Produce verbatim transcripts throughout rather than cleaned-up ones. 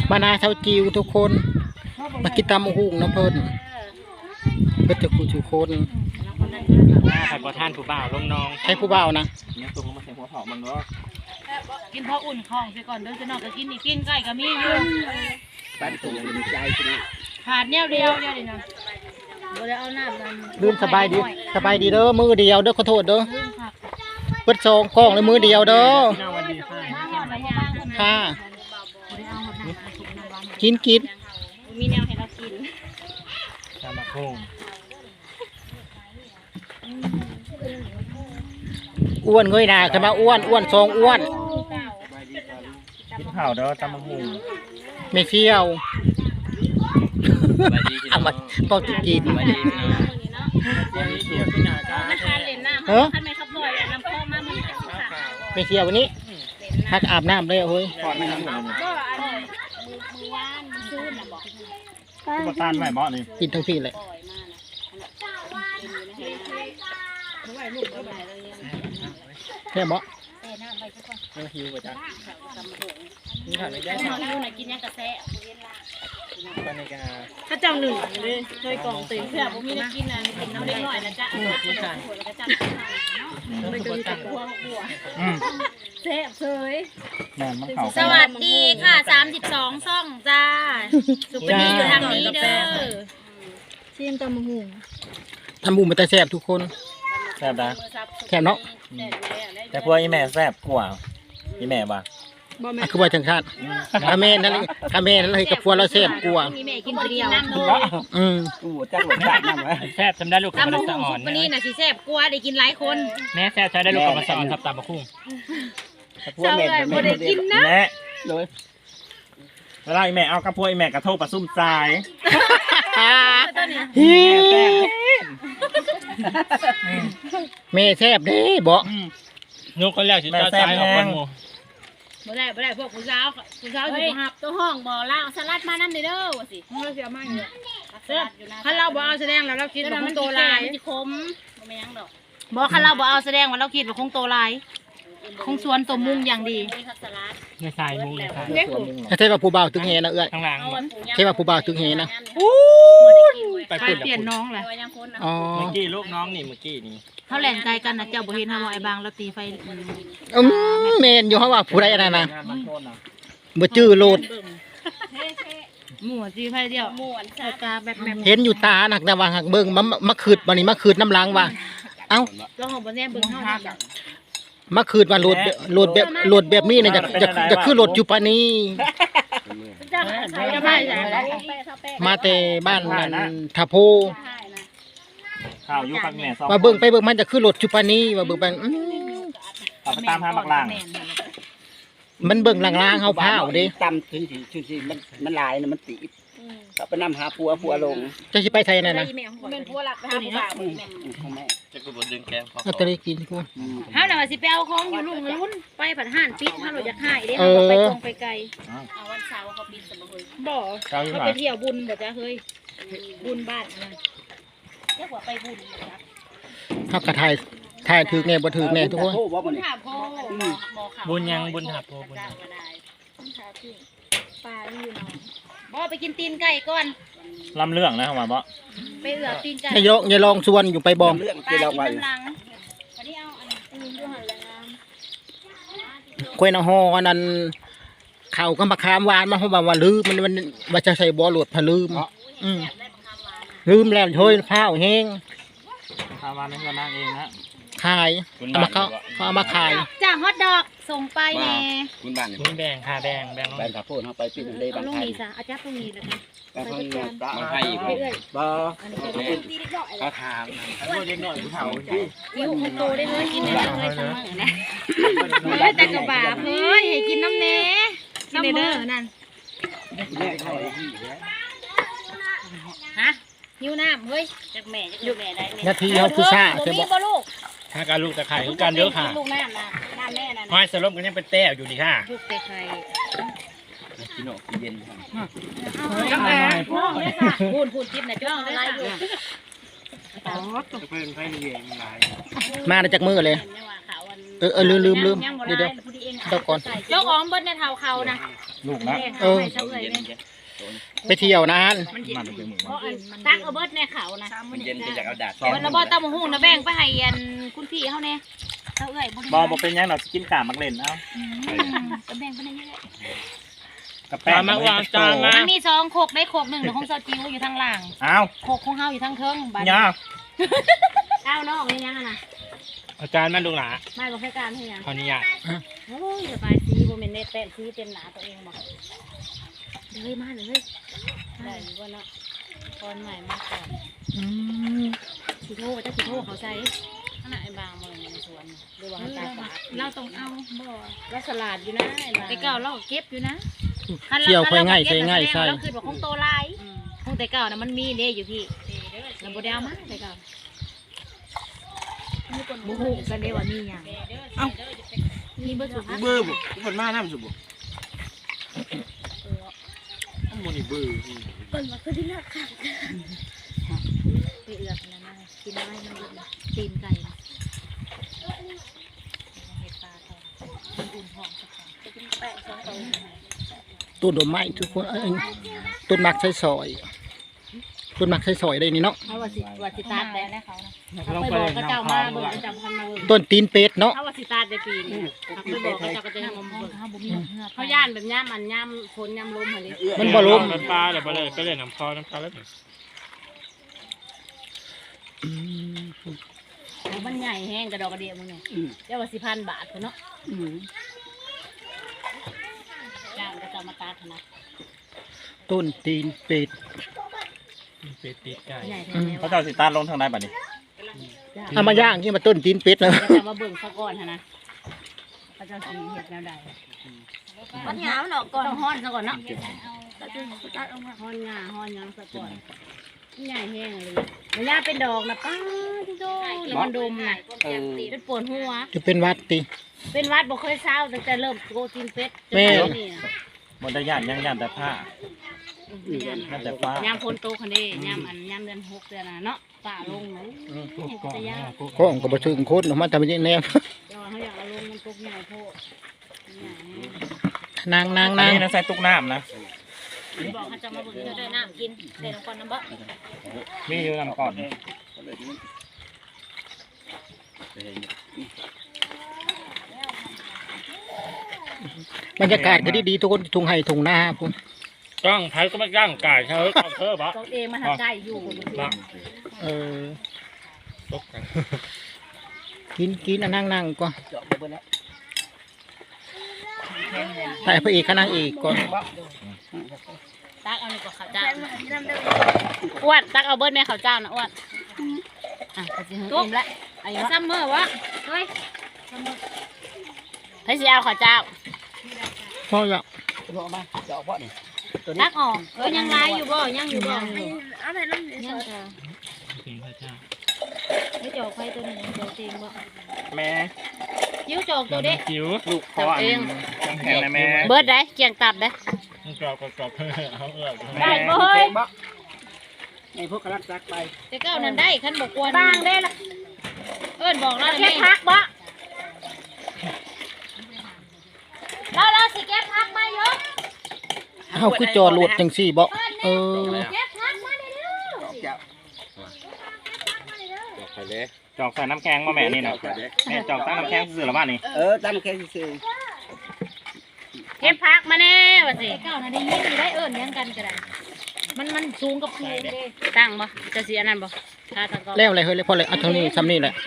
มานาเช้าจิวทุกคนมากินตำหุ่งน้ำเพิ่นเพื่อจะกูชูคนใครบ่ท่านผู้บ่าวลงน้องใครผู้บ่าวนะเนี่ยตัวมันใส่หัวเผามันเนาะกินพออุ่นคลองไปก่อนเด้อจะนอกก็กินนี่กินไก่ก็มีอยู่บ้านตัวมันใจใช่ไหมขาดแนวเดียวเดียวนี่นะบ่ได้เอาน้ำมันลืมสบายดีสบายดีเด้อมือเดียวเด้อขอโทษเด้อเปิดซองกล้องเลยมือเดียวเด้อค่ะกินกินมีแนวให้เรากินตามมาพุ่งอ้วนเงยหน้าขึ้นมาอ้วนอ้วนซองอ้วนกินข้าวเด้อตำมะฮุงไม่เที่ยวเอามาพอจะกินเออไม่เที่ยววันนี้ฮักอาบน้ำเลยเฮ้ยก็ต้านไม่บ่นี่กินทั้งที่เลยแค่บ่หิวไปจ้ะนี่ค่ะไม่ได้หิวไหนกินยังกระแซะตอนนี้ก็ถ้าเจ้าหนึ่งเลยเคยกล่องตื่นเพื่อผมมีได้กินนะกินน้ำเล็กหน่อยนะจ๊ะกินกันไม่กินแต่หัวหัวเซฟเซยสวัสดีค่ะสามสิบสองซ่องจ้าสุปนีอยู่ทางนี้เด้อชิมตำมะฮุงทำบุญมาแต่แซ่บทุกคนแซ่บนะแซ่บเนาะแต่พวกอีแม่แซ่บกว่าอีแม่บ่คือว่าจังชาติคาเมนนั่นเลยคาเมนนั่นเลยกับพวกเราแซ่บกว่ามีแม่กินคนเดียวอืมกูจักหลงจักน้ำไว้แซ่บทำได้ลูกกับมะสอนวันนี้น่ะสิแซ่บกว่าได้กินหลายคนแม่แซ่บใช้ได้ลูกกับมะสอนครับตามมาคุ้งพวกแม่ไม่ได้กินนะแม่เลยเวลาอีแม่เอากระพวกอีแม่กระโทกปลาซุ่มทรายแม่แซ่บเด้บ่นกคนแรกสิตาซ้ายออกคนหมู่บ่ได้บ่ได้พวกผู้สาวผู้สาวอยู่หับตัวห้องบ่ล่าสลัดมานำเด้อว่าสิเราสิเอามาอยู่คันเราบ่เอาแสดงแล้วเราคิดว่าคงโตหลายมันสิคมบ่แม่นดอกบ่คันเราบ่เอาแสดงว่าเราคิดว่าคงโตหลายคงสวนสมมุงอย่างดีในสายมุงเลยค่ะเทว่าผู้บ่าวตึงเฮนะเอื้อยข้างหลังเทว่าผู้บ่าวตึงเฮนะไปเปลี่ยนน้องแหละอ๋อเมื่อกี้ลูกน้องนี่เมื่อกี้นี่เขาแหล่งใจกันนะเจ้าบ่เห็นเฮาไอ้บางแล้วตีไฟอืมแม่นอยู่เฮาว่าผู้ใดอันนั้นน่ะบ่จื้อโลดหมู่ตีไฟเดียวหมู่ตาแบบแบบเห็นอยู่ตาหนักแต่ว่าหักเบิ่งมามาคืดบัดนี้มาคืดน้ำล้างว่าเอ้าลองบ่แน่เบิ่งเฮามาคืนว่าโหลดโหลดแบบโหลดแบบนี้เนี่ยจะจะจะคือโหลดจุปานีมาแต่บ้านนั้นทาโพข่าวยุคแม่มาเบิ่งไปเบิ่งมันจะคือโหลดจุปานีมาเบิ่งไปขับไปตามทางบักล่างมันเบิ่งล่างๆเฮาพาวดิตำถึงถึงสิมันมันลายนะมันตีเขาไปนำหาผัวผัวลงจะสิไปไทยนั่นน่ะเป็นผัวหลักไปหาผู้บ่าวของแม่จะกูบ่ดึงแกงพอเอาตะลิกินกูเฮาน่ะว่าสิไปเอาของอยู่ลุงลุ้นไปผัดห่านปิดเฮาเราอยากหายเด้เฮาไปตรงไปไกลเอาวันเสาร์เขาปิดซะบ่เฮ้ยบ่เขาไปเที่ยวบุญบ่จ้ะเฮ้ยบุญบ้านนั่นเรียกว่าไปบุญจ้ะเฮาก็ถ่ายถ่ายถึกแน่บ่ถึกแน่ทุกคนบุญยังบุญหาโพบุญปลาอยู่เนาะบ่ไปกินตีนไก่ก่อนลำเรื่องนะเข้ามาบ่ไปเอือตีนไก่อย่าอย่าลองชวนอยู่ไปบ่เรื่องที่เราไปกล้วยน้ำฮออันนั้นข้าวก็มะขามหวานมาเฮาว่าว่าลืมมันมันว่าจะใส่บ่โหลดพะลืมอืมลืมแล้วเฮ้ยข้าวแห้งข้าวหวานนั่นก็นางเองนะขายเอามาเขาเขาเอามาขายจ้าฮอทดอกส่งไปแน่คุณบ้านคุณแบ่งค่ะแบ่งแบ่งแบ่งข้าวโพดเฮาไปปิ้งเลยบางไทยอาจารย์ตรงนี้นะคะบางไทยบางไทยบ่ข้าวขาวพวกเด็กน้อยผู้เฒ่าที่อยู่ให้โตได้เลยกินได้เลยเสมอนะเฮ้ยแต่กระบาเฮ้ยให้กินน้ำเน้กินเด้อนั่นฮะหิวน้ำเฮ้ยจากแม่จากแม่ได้นาทีเฮาคือซ่าใช่บ่ลูกถ้าการลูกตะไคร้คือการเยอะค่ะลูกน้ำนะน้ำแม่นั่นห้อยสลบกันยังเป็นแต้วอยู่ดีค่ะลูกตะไคร้กินออกเย็นพูดพูดจิ๊บนะจ้องอะไรอยู่อ๋อตกเป็นไฟเย็นหลายมาได้จากมือเลยเออเออลืมลืมลืมเดี๋ยวเดี๋ยวเดี๋ยวก่อนเจ้าของเบิ้ลในเท้าเขานะลูกนะเออ ไปเที่ยวนานมันเป็นมือเพราะอันตักเอาเบิดในเขานะมันเย็นก็อยากเอาดาดเบิดแล้วบ่ตำบักหุ่งนะแบ่งไปให้อันคุณพี่เฮาแน่เฮาเอ้ยบ่บอบอกเป็นยังเรากินกามักเล่นเอาก็แบ่งไปให้เยอะกระแป้งมาวางจานมามันมีสองโคกได้โคกหนึ่งของเซาจิ๋วอยู่ทางล่างอ้าวโคกของเฮาอยู่ทางเทิงบัดย่าอ้าวน้องนี่ยังน่ะอาจารย์มาดูหลาไม่บ่ให้การให้ยังขออนุญาตโอ้ยสบายสีบ่แม่นได้แต้มสีเต็มหนาตัวเองบ่เฮ้ยมาเลยได้อยู่บ่เนาะตอนใหม่มาก่อนสิโทษจะสิโทษเขาใส่ขนาดไอ้บางมันในสวนหรือว่าตาฝาดเราต้องเอาบ่เราสลัดอยู่นะไอ้เก่าเราเก็บอยู่นะเที่ยวค่อยง่ายใช่ง่ายใช่เราคือว่าของโตลายของแต่เก่านะมันมีเด้อยู่พี่เราบ่ได้เอามาแต่เก่าบุหูกันเด้ว่ามีหยังเอ้ามีเบอร์สุดเบื่อบุคนมาน้ำสุบุมันมันเบื่อก่อนมาคือที่นักค่ะไปเอือกนะนะกินไม้มันเยอะนะตีนไก่นะเห็ดปลาทองมันอุ่นหอมสักหน่อยจะกินแปะสองตัวต้นดอกไม้ทุกคนเอ้ยต้นมักใช้ซอยต้นมักใช้ซอยได้นี่เนาะเขาว่าสิว่าสิตาดได้แล้วเขานะเขาไปบอกก็เจ้ามาเบิ่งก็เจ้าพันมาเบิ่งต้นตีนเป็ดเนาะเขาว่าสิตาดได้ปีนี้เขาไปบอกก็เจ้าก็จะงมเบิ่งเขาบ่มีเขาย่านแบบย่ามอันย่ามฝนย่ามลมหั่นดิมันบ่ล้มปลาเดี๋ยวไปเลยไปเลยน้ำคอน้ำคอแล้วมันใหญ่แห้งกระดอกกระเดียมึงเนี่ยเจ้าว่าสิพันบาทเนาะจ้างก็จะมาตาดนะต้นตีนเป็ดเป็ดติดไก่ใหญ่แท้เขาเจ้าสิตาลงทางใดบัดนี้เอามาย่างนี่มาต้นตีนเป็ดเลยก็จะมาเบิ่งซะก่อนนะเขาจะสีเห็ดแนวใดมันหยามันออกก่อนต้องฮ้อนซะก่อนเนาะฮ้อนงาฮ้อนยังซะก่อนใหญ่แห้งเลยมันย่าเป็นดอกนะป้าที่โตแล้วมันดมนะเป็นปวดหัวจะเป็นวัดติเป็นวัดบ่เคยเศร้าตั้งแต่เริ่มโกตินเป็ดแม่บนได้ย่านยังย่านแต่ผ้าย่านแต่ฟ้ายามฝนตกคันนี้ยามอันยามเดือนหกเดือนน่ะเนาะป่าลงเนาะจะยากก็องก็บ่ถึงโคตรเนาะมันทำเป็นแนวเดี๋ยวเขาอยากเอาลงมันตกใหญ่โพดใหญ่นางนางอันนางนี้นะใส่ตุกน้ำนะบอกเขาจะมาเบิ่งเธอได้น้ำกินเดี๋ยวน้ำก่อนน้ำบ่มีอยู่น้ำก่อนบรรยากาศก็ดีๆทุกคนทุ่งไห่ทุ่งนาพุ่นจ้างไผ่ก็ไม่จ้างไก่เธอเอาเธอปะตัวเองมันหักใจอยู่เออตกกันกินกินอันนั่งนั่งก่อนถ่ายพระเอกกับนางเอกก่อนตักเอานี่ก็ข้าวเจ้าอ้วนตักเอาเบิร์ดแม่ข้าวเจ้านะอ้วนอ่ะก็สิหึงอิ่มละอายุซัมเมอร์วะเฮ้ยให้สิเอาข้าวเจ้าพอแล้วตักออกเออยังลายอยู่บ่ยังอยู่บ่เอาไปน้ำเดือดยังจ้ะถึงพระเจ้าไม่จอกไฟตัวนี้จอกเองบ่แม่ยิ้วจอกตัวเด็กจิ๋วลูกพ่ออันแข็งนะแม่เบิร์ดได้เกียงตับได้กรอบกรอบเขาเอื้อได้บ่เฮ้ยไอ้พวกกระลักซักไปแต่เก้านั้นได้ขันบอกกวนบางได้ละเอิ้นบอกแล้วแค่พักบ่เราเราสิแก้พักมาเยอะเฮาคือจอรถจังซี่บ่เออแก้พักมาเด้อไปเลยจอกใส่น้ำแข็งมาแม่นี่นะแม่จอกตั้งน้ำแข็งซื้อหรือบ้านนี่เออตั้งแค่ซื้อเก็บพักมาแน่ว่าสิเก้านั้นได้ยินได้เอิ้นยังกันก็ได้มันมันสูงกับสูงเด้ตั้งบ่จะสิอันนั้นบ่ถ้าตะกอแล้วอะไรเฮ้ยเลยพอเลยเอาเท่านี้ซ้ำนี่แหละ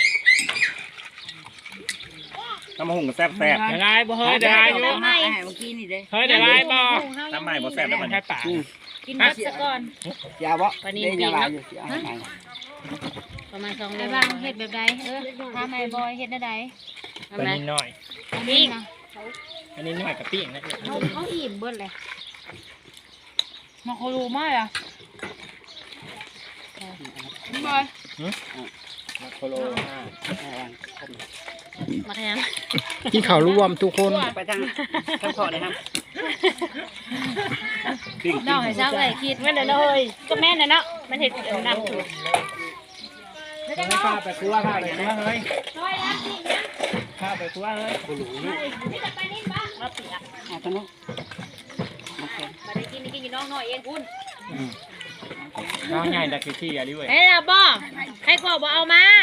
น้ำมะฮุ่งก็แซ่บแซ่บได้ไรบ่เฮ้ยได้ไรอยู่เมื่อกี้นี่เด้เฮ้ยได้ไรบ่น้ำใหม่บ่แซ่บแล้วมันแค่ป่ากินมัดซะก่อนยาวะได้ยังไงอยู่สิประมาณสองโลบางเฮ็ดแบบใดเออถ้าไม่บอยเฮ็ดได้ใดอันนี้น้อยนี่อันนี้น้อยกับปิ้งนะเขาเขาอิ่มเบิดเลยมาโครูมากอ่ะบอยโคโลมาแทนกินข้าวรวมทุกคนไปทางทางขอเลยครับน้องให้เช้าเลยคิดแม่นเลยก็แม่นน่ะเนาะมันเห็ดน้ำถูกข้าไปครัวข้าไปครัวเฮ้ยช่วยรับสิข้าไปครัวเฮ้ยนี่จะไปนี่บ้างมาเปียกอ่ะตอนนู้นมาได้กินนี่กินอยู่น้องน้อยเองคุณน้องใหญ่ดักที่อะไรเว้ยเฮ้ยล่ะบ่ให้ขอบ่เอามา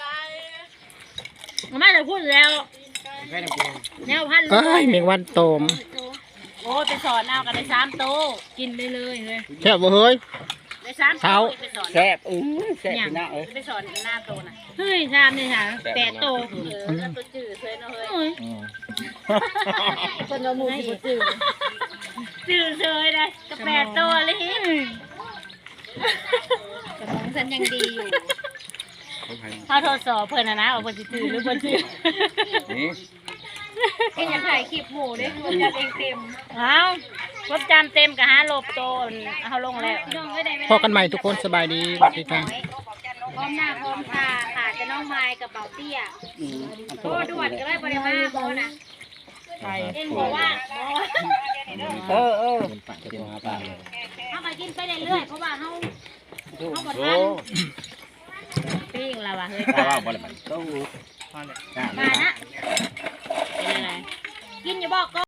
เอามาจะพูดแล้วแค่น้ำเกลือแนวพันเอ้ยแมงวันโตมโอ้ไปสอนเอากันได้สามโตกินได้เลยเลยแค่บ่เฮ้ยได้สามโตไปสอนแซ่บอื้อแซ่บพี่น้าเอ้ยไปสอนหน้าโตน่ะเฮ้ยชามนี่ค่ะแปดโตเออตัวจืดเลยเนาะเฮ้ยคนละมูสิจืดจืดเลยนะก็แปดโตเลยกระมองฉันยังดีอยู่เขาทดสอบเพื่อนนะนะว่าเพื่อนจืดหรือเพื่อนจืดนี่ก็อยากถ่ายคลิปหมูด้วยคนจำเองเต็มเอาคนจำเต็มกับฮะลบโตนเอาลงแล้วพอกันใหม่ทุกคนสบายดีสวัสดีค่ะพร้อมหน้าพร้อมตาขาจะน้องไม้กับเบาเตี้ยโอ้ด่วนก็ได้บริมาโบนะเอ็งบอกว่าเออเออเอาไปกินไปเรื่อยๆเพราะว่าเขาเขาบดทันปิ้งแล้วว่ะเฮ้ยเพราะว่าบ่ได้มันต้องมานะเป็นอะไรกินอย่าบอกก็